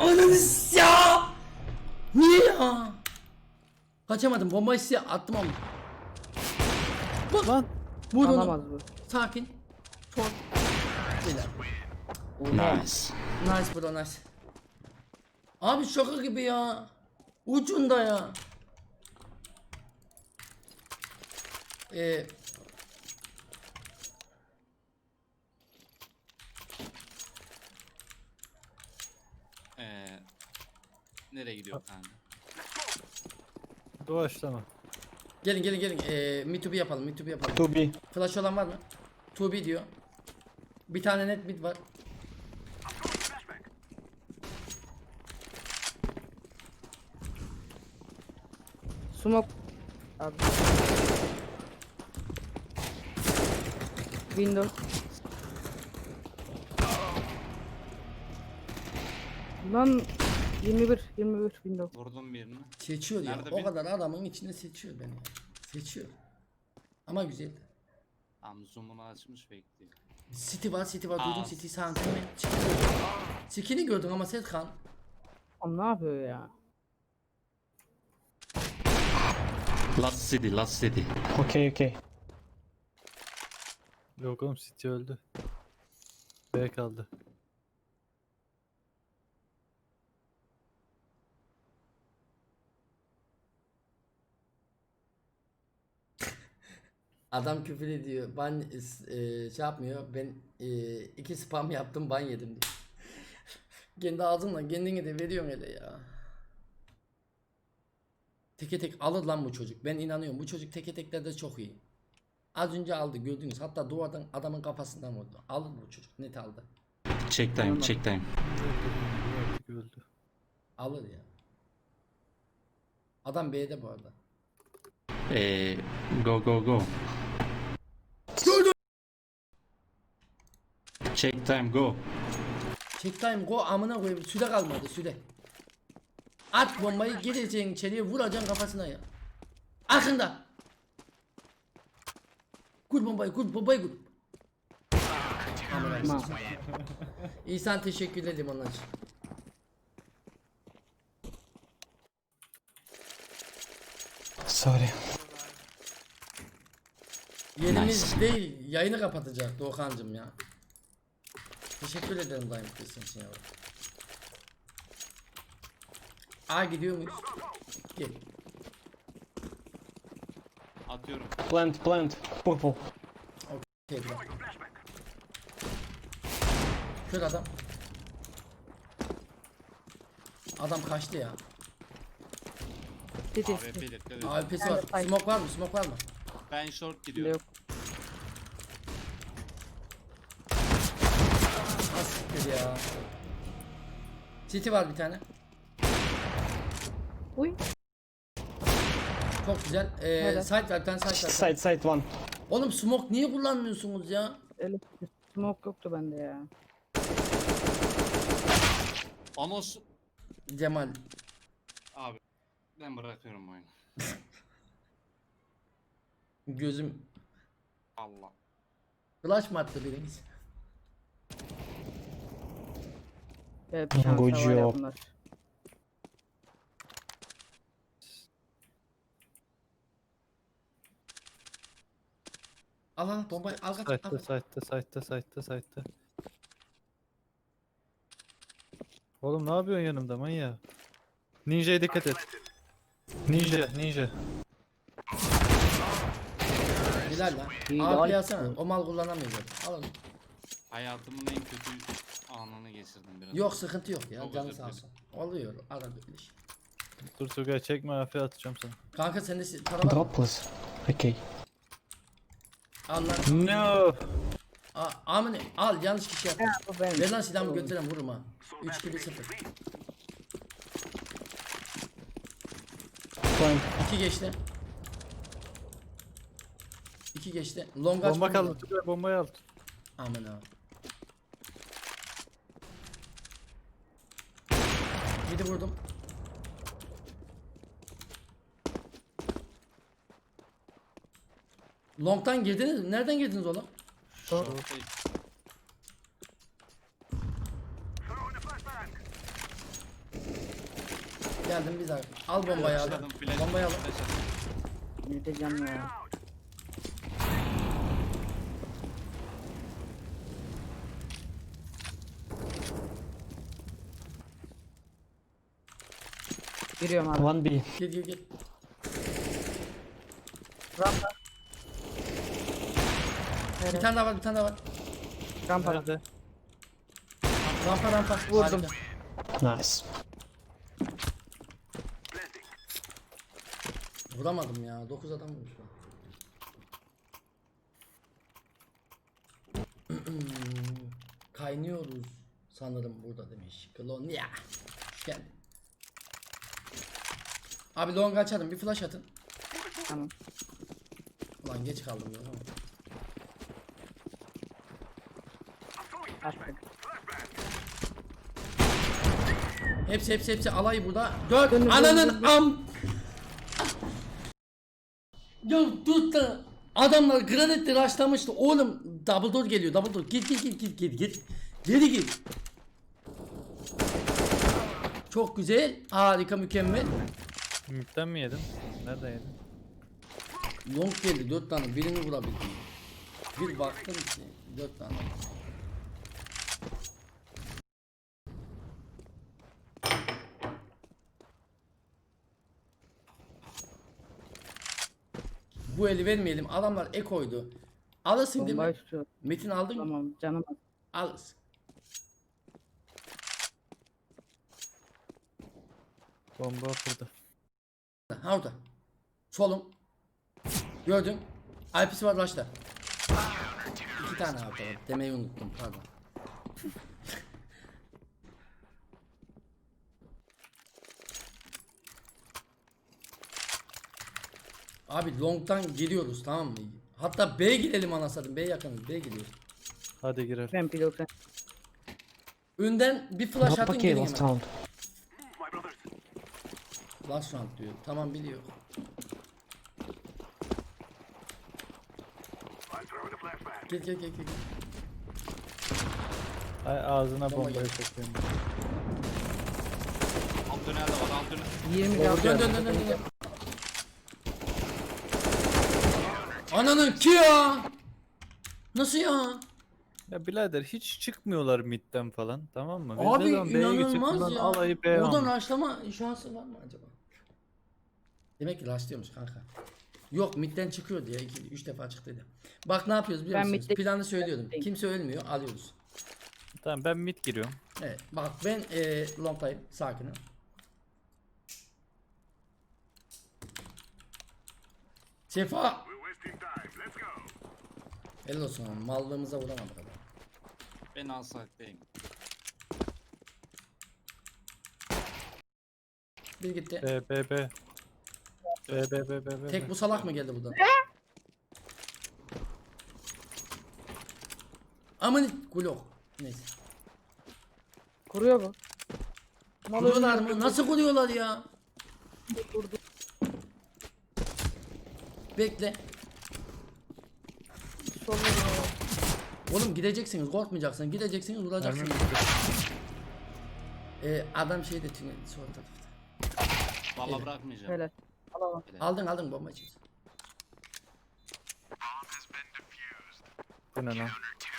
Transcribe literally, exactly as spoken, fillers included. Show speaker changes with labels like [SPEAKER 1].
[SPEAKER 1] Ananı ya. Niye ya? Kaçamadım. Bombayı size attım ama. Bak.
[SPEAKER 2] Lan.
[SPEAKER 1] Vur onu.
[SPEAKER 3] Alamaz bu.
[SPEAKER 1] Sakin. Çok. Güzel.
[SPEAKER 4] Nice.
[SPEAKER 1] Nice bro nice. Abi şaka gibi ya. Ucunda ya. Ee,
[SPEAKER 4] Ee, nereye gidiyor kanka?
[SPEAKER 2] Doğaçlama.
[SPEAKER 1] gelin gelin gelin. Ee, Me to be yapalım. Me to be yapalım.
[SPEAKER 5] To be.
[SPEAKER 1] Flash olan var mı? to be diyor. Bir tane net mid var.
[SPEAKER 3] Smoke. Abi. Windows. Lan yirmi bir yirmi bir Windows.
[SPEAKER 4] Vurdum birini.
[SPEAKER 1] Seçiyor ya.
[SPEAKER 4] Nerede
[SPEAKER 1] O
[SPEAKER 4] bir-
[SPEAKER 1] kadar adamın içinde seçiyor beni. ya. Seçiyor. Ama güzel.
[SPEAKER 4] Tam zoom'unu açmış bekliyor.
[SPEAKER 1] City var, City var. Duydum
[SPEAKER 4] Aa.
[SPEAKER 1] City sağ Skin'i gördün ama Serkan.
[SPEAKER 3] Oğlum ne yapıyor ya?
[SPEAKER 4] Last city, last city.
[SPEAKER 5] Okay, okay.
[SPEAKER 2] Yok oğlum City öldü. B kaldı.
[SPEAKER 1] Adam küfür ediyor. Ban e, şey yapmıyor. Ben e, iki spam yaptım, ban yedim diyor. Kendi ağzınla kendini de veriyorsun hele ya. Teke tek alır lan bu çocuk. Ben inanıyorum. Bu çocuk teke teklerde çok iyi. Az önce aldı gördünüz. Hatta duvardan adamın kafasından vurdu. Alır bu çocuk. Net aldı.
[SPEAKER 4] Check time, check time.
[SPEAKER 2] Artık öldü.
[SPEAKER 1] Alır ya. Adam B'de bu arada.
[SPEAKER 4] Ee, go go go. Check time, go.
[SPEAKER 1] Check time go amına koyayım. Süre kalmadı süre. At bombayı gireceksin içeriye vuracaksın kafasına ya. Arkında. Kur bombayı kur bombayı kur. Amına
[SPEAKER 3] Ma.
[SPEAKER 1] koyayım. İhsan teşekkür ederim onun için.
[SPEAKER 5] Sorry.
[SPEAKER 1] Yerimiz
[SPEAKER 4] Nice.
[SPEAKER 1] değil yayını kapatacak Doğukancım ya. Teşekkür ederim daim kızım için yavrum. A gidiyor muyuz? Gel.
[SPEAKER 4] Atıyorum.
[SPEAKER 5] Plant, plant. Purple.
[SPEAKER 1] Okey bırak. Kör adam. Adam kaçtı ya.
[SPEAKER 3] City.
[SPEAKER 4] A W P dikkat edin.
[SPEAKER 1] A W P'si var.
[SPEAKER 3] Ay.
[SPEAKER 1] Smoke var mı? Smoke var mı?
[SPEAKER 4] Ben short gidiyorum.
[SPEAKER 3] Yok.
[SPEAKER 1] Az siktir ya. City var bir tane.
[SPEAKER 3] Uy.
[SPEAKER 1] Çok güzel. Ee,
[SPEAKER 3] Helal.
[SPEAKER 1] side var bir tane side var.
[SPEAKER 5] Side, side one.
[SPEAKER 1] Oğlum smoke niye kullanmıyorsunuz ya?
[SPEAKER 3] Öyle smoke yoktu bende ya.
[SPEAKER 4] Anos.
[SPEAKER 1] Cemal.
[SPEAKER 4] Abi. Ben bırakıyorum oyunu.
[SPEAKER 1] Gözüm.
[SPEAKER 4] Allah.
[SPEAKER 1] Flash mı attı biriniz?
[SPEAKER 3] Evet şansa
[SPEAKER 5] Good
[SPEAKER 3] var ya
[SPEAKER 5] job.
[SPEAKER 3] bunlar.
[SPEAKER 1] Al al bombayı al kaç.
[SPEAKER 2] Site'da,
[SPEAKER 1] al.
[SPEAKER 2] site'da, site'da, site'da, site'da. Oğlum ne yapıyorsun yanımda manyak? Ninja'ya dikkat et. Ninja, ninja.
[SPEAKER 1] Helal lan.
[SPEAKER 3] İyi,
[SPEAKER 1] A P
[SPEAKER 3] daha-
[SPEAKER 1] alsana. O mal kullanamıyor zaten. Al onu.
[SPEAKER 4] Hayatımın en kötü anını geçirdim biraz.
[SPEAKER 1] Yok sıkıntı yok ya.
[SPEAKER 4] Çok
[SPEAKER 1] Canı
[SPEAKER 4] özür
[SPEAKER 1] sağ
[SPEAKER 4] dilerim.
[SPEAKER 1] olsun. Oluyor. Arada bir şey.
[SPEAKER 2] Dur Tugay çekme afiyet atacağım sana.
[SPEAKER 1] Kanka sende si- para var mı?
[SPEAKER 5] Drop, please. Okay.
[SPEAKER 1] Al lan.
[SPEAKER 2] No.
[SPEAKER 1] A- Amine al yanlış kişi yaptın.
[SPEAKER 3] Ha, bu benim.
[SPEAKER 1] Ver lan silahımı götürem vururum ha. üç iki bir sıfır.
[SPEAKER 5] Plant.
[SPEAKER 1] iki geçti. iki geçti. Long aç.
[SPEAKER 2] Bomba kaldı Tugay bombayı al.
[SPEAKER 1] Aman abi. Bir de vurdum. Long'tan girdiniz mi? Nereden girdiniz oğlum?
[SPEAKER 4] Short'tayız.
[SPEAKER 1] Geldim biz abi. Al bombayı abi.
[SPEAKER 4] Flashladım, flash-
[SPEAKER 1] Bombayı al.
[SPEAKER 4] flash attım.
[SPEAKER 3] Ne diyeceğim ya. Giriyorum abi.
[SPEAKER 5] One B.
[SPEAKER 1] Gel gel gel.
[SPEAKER 3] Rampa.
[SPEAKER 1] Bir
[SPEAKER 3] Evet.
[SPEAKER 1] tane daha var bir tane daha var.
[SPEAKER 3] Rampa.
[SPEAKER 2] Nerede?
[SPEAKER 1] Rampa rampa.
[SPEAKER 3] Vurdum.
[SPEAKER 1] Harika.
[SPEAKER 5] Nice.
[SPEAKER 1] Vuramadım ya. dokuz adam vurmuş ben. Kaynıyoruz sanırım burada demiş. Kolonya. Hoş geldin. Abi long açalım bir flash atın.
[SPEAKER 3] Tamam.
[SPEAKER 1] Ulan geç kaldım ya. Ama.
[SPEAKER 3] Attık.
[SPEAKER 1] Hepsi hepsi hepsi alay burada. Dört
[SPEAKER 3] Dönün,
[SPEAKER 1] ananın
[SPEAKER 3] dönün,
[SPEAKER 1] am. Ya tut da adamlar granitle rushlamıştı. Oğlum double door geliyor double door. Git git git git git git. Geri git. Çok güzel. Harika mükemmel.
[SPEAKER 2] Mid'den mi yedin? Nereden yedin?
[SPEAKER 1] Long geldi dört tane birini vurabildim. Bir baktım ki dört tane. Bu eli vermeyelim. Adamlar e koydu. Alırsın değil mi?
[SPEAKER 3] Bombayı tutuyor.
[SPEAKER 1] Metin aldın mı?
[SPEAKER 3] Tamam canım.
[SPEAKER 1] Alırsın.
[SPEAKER 2] Bomba burada.
[SPEAKER 1] Ha orada. Solum. Gördüm. I P'si var başta. İki tane abi var. Demeyi unuttum pardon. Abi long'tan giriyoruz tamam mı? Hatta B'ye girelim anasını. B yakınız. B'ye gidiyoruz.
[SPEAKER 2] Hadi girer.
[SPEAKER 3] Ben pilot sen.
[SPEAKER 1] Önden bir flash
[SPEAKER 5] Not
[SPEAKER 1] atın
[SPEAKER 5] okay,
[SPEAKER 1] gelin
[SPEAKER 5] last
[SPEAKER 1] hemen.
[SPEAKER 5] round.
[SPEAKER 1] Last round diyor. Tamam biliyor. Gel gel gel gel.
[SPEAKER 2] Ay ağzına
[SPEAKER 1] Bomba
[SPEAKER 2] bombayı
[SPEAKER 1] geldi.
[SPEAKER 2] sokayım.
[SPEAKER 4] Alt tünelde var, alt tünel.
[SPEAKER 3] yirmi
[SPEAKER 1] Dön
[SPEAKER 3] can.
[SPEAKER 1] dön dön dön dön. Ananın ki ya. Nasıl ya?
[SPEAKER 2] Ya birader hiç çıkmıyorlar midden falan, tamam mı? Biz
[SPEAKER 1] Abi
[SPEAKER 2] de lan B'ye gidecek,
[SPEAKER 1] inanılmaz
[SPEAKER 2] bundan
[SPEAKER 1] ya.
[SPEAKER 2] alayı B'ye
[SPEAKER 1] Oradan
[SPEAKER 2] almış.
[SPEAKER 1] rushlama şansı var mı acaba? Demek ki rushlıyormuş kanka. Yok midden çıkıyor diye iki üç defa çıktıydı. Bak ne yapıyoruz biliyor
[SPEAKER 3] Ben
[SPEAKER 1] musunuz?
[SPEAKER 3] midde-
[SPEAKER 1] Planı söylüyordum. Kimse ölmüyor alıyoruz.
[SPEAKER 2] Tamam ben mid giriyorum.
[SPEAKER 1] Evet bak ben e, longtayım sakinim. Sefa. Helal olsun oğlum, mallığımıza vuramadık adam.
[SPEAKER 4] Ben alsaktayım.
[SPEAKER 1] Bir gitti.
[SPEAKER 2] B B B. B B B B B.
[SPEAKER 1] Tek bu salak mı geldi buradan? Aman kulok. Neyse.
[SPEAKER 3] Kuruyor bu.
[SPEAKER 1] Kuruyorlar mı? Nasıl kuruyorlar ya?
[SPEAKER 3] Kurdu.
[SPEAKER 1] Bekle.
[SPEAKER 3] Solda
[SPEAKER 1] Oğlum gideceksiniz, korkmayacaksın. Gideceksiniz,
[SPEAKER 2] Mermi
[SPEAKER 1] vuracaksınız.
[SPEAKER 2] bitti.
[SPEAKER 1] Ee, adam şeyde tünel sol tarafta.
[SPEAKER 4] Valla
[SPEAKER 1] Helal.
[SPEAKER 4] bırakmayacağım.
[SPEAKER 3] Helal. Al al.
[SPEAKER 1] Aldın aldın bombacıyız.
[SPEAKER 2] Bu ne lan?